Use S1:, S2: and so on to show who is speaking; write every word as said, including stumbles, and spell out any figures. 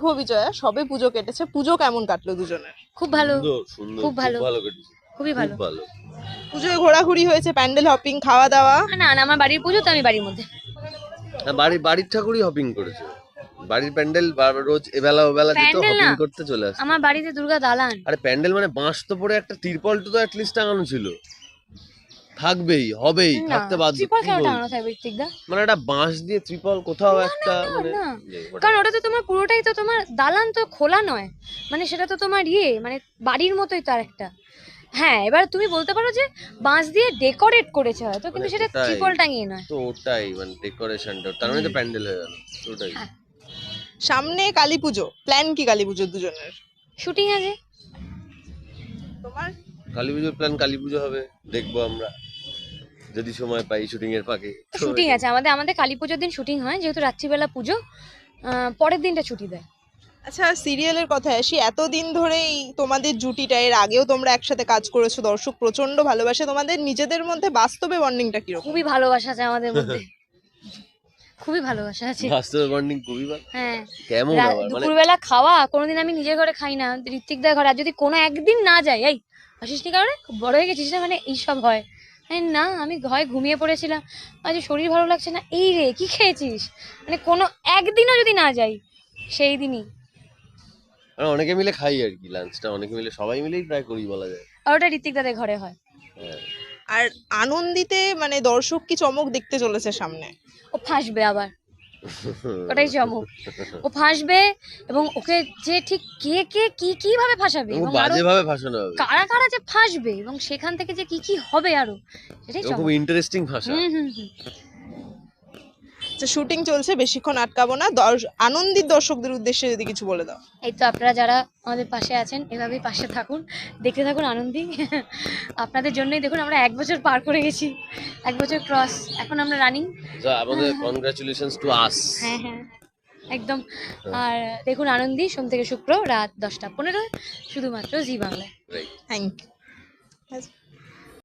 S1: শুভ বিজয়া, সবে পুজো কেটেছে, পুজো কেমন কাটলো দুজনের?
S2: খুব ভালো,
S3: সুন্দর,
S2: খুব ভালো,
S3: ভালো কেটেছে,
S2: খুবই ভালো।
S3: খুব ভালো।
S1: পুজোয় ঘোরাঘুরি হয়েছে, প্যান্ডেল হপিং, খাওয়া দাওয়া?
S2: না না, আমার বাড়ির পুজো তো আমি বাড়ির মধ্যে।
S3: হ্যাঁ, বাড়ি বাড়ির ঠাকুরই হপিং করেছে। বাড়ির প্যান্ডেল বার- রোজ এবেলা ওবেলা যেত
S2: প্যান্ডেল
S3: হপিং
S2: না,
S3: করতে চলে আসে।
S2: আমার বাড়িতে দুর্গা দালান।
S3: আরে প্যান্ডেল মানে বাঁশ তো পরে একটা তিরপল তো অ্যাটলিস্ট টাঙানো ছিল, থাকবেই, হবেই,
S2: না,
S3: থাকতে বাধ্য।
S2: ত্রিপল
S3: কি
S2: কেন
S3: বলছিস?
S2: টাঙানো থাকবে ঋত্বিকদা?
S3: মানে একটা বাঁশ দিয়ে ত্রিপল কোথাও একটা
S2: না
S3: মানে
S2: না,
S3: নেই, ওটা-
S2: কারণ ওটা তো তোমার পুরোটাই তো তোমার দালান, তো খোলা নয়, মানে সেটা তো তোমার ইয়ে মানে বাড়ির মতোই তার একটা। হ্যাঁ, এবার তুমি বলতে পারো যে বাঁশ দিয়ে ডেকোরেট করেছে হয়তো, কিন্তু
S3: মানে
S2: সেটা
S3: ওটাই,
S2: ত্রিপল টাঙিয়ে নয়।
S3: তো ওটাই মানে ডেকোরেশনটা, তার মানে তো প্যান্ডেল হয়ে গেল ওটাই।
S2: হ্যাঁ।
S1: সামনে কালী পুজো, প্ল্যান কি কালী পুজোর দুজনের?
S2: শুটিং আছে।
S1: তোমার?
S3: কালী পুজোর প্ল্যান, কালী পুজো হবে, দেখবো আমরা যদি সময় পাই শুটিং এর ফাঁকে। তো
S2: শুটিং আছে আমাদের, আমাদের কালী পুজোর দিন শুটিং হয়, যেহেতু রাত্রিবেলা পুজো, আহ, পরের দিনটা ছুটি দেয়।
S1: আচ্ছা, সিরিয়ালের কথায় আসি, এতদিন ধরেই তোমাদের জুটিটা, এর আগেও তোমরা একসাথে কাজ করেছো, দর্শক প্রচন্ড ভালোবাসে তোমাদের, নিজেদের মধ্যে বাস্তবে বন্ডিংটা কিরকম?
S2: খুবই ভালোবাসা আছে আমাদের মধ্যে, খুবই ভালোবাসা আছে।
S3: বাস্তবে বন্ডিং খুবই ভালো।
S2: হ্যাঁ,
S3: কেমন
S2: রা-
S3: আবার মানে
S2: দুপুরবেলা খাওয়া কোনোদিন আমি নিজের ঘরে খাই না, ঋত্বিকদার ঘরে। আর যদি কোনো একদিন না যাই, এই আসিস নি কারণে খুব বড় হয়ে গেছিস না, মানে এইসব হয়। আরে না, আমি হয় ঘুমিয়ে পড়েছিলাম, আজ শরীর ভালো লাগছে না, এই রে কি খেয়েছিস, মানে কোনো একদিনও যদি না যাই সেই দিনই।
S3: আমরা অনেকে মিলে খাই আর কি, লাঞ্চটা অনেকে মিলে সবাই মিলেই প্রায় করি বলা যায়।
S2: আর ওটা ঋত্বিকদাদের ঘরে হয়।
S3: হ্যাঁ।
S1: আর আনন্দিতে মানে দর্শক কি চমক দেখতে চলেছে সামনে?
S2: ও ফাঁসবে আবার, ওটাই চমক। ও ফাঁসবে, এবং ওকে যে ঠিক কে কে কি কি ভাবে ফাঁসাবে,
S3: খুব
S2: এবং আরো
S3: বাজে ভাবে ভাষণ হবে,
S2: কারা কারা যে ফাঁসবে, এবং সেখান থেকে যে কি কি হবে আরো, সেটাই
S3: খুব
S2: চমক।
S3: ইন্টারেস্টিং ভাষা।
S2: হুম হুম হুম।
S1: যে শুটিং চলছে, বেশিক্ষণ আটকাবো না, দর্শ- আনন্দিত দর্শকদের উদ্দেশ্যে যদি কিছু বলে দাও।
S2: এই তো আপনারা যারা আমাদের পাশে আছেন, এভাবেই পাশে থাকুন, দেখতে থাকুন আনন্দী। আপনাদের জন্যই দেখুন আমরা এক বছর পার করে গেছি, এক বছর ক্রস, এখন আমরা রানিং।
S3: So, আমাদের কনগ্রাচুলেশনস টু আস।
S2: হ্যাঁ হ্যাঁ, একদম। আর দেখুন আনন্দী, সোম থেকে শুক্র রাত দশটা পনেরো, শুধুমাত্র জি বাংলায়।
S3: রাইট।
S1: Thank you.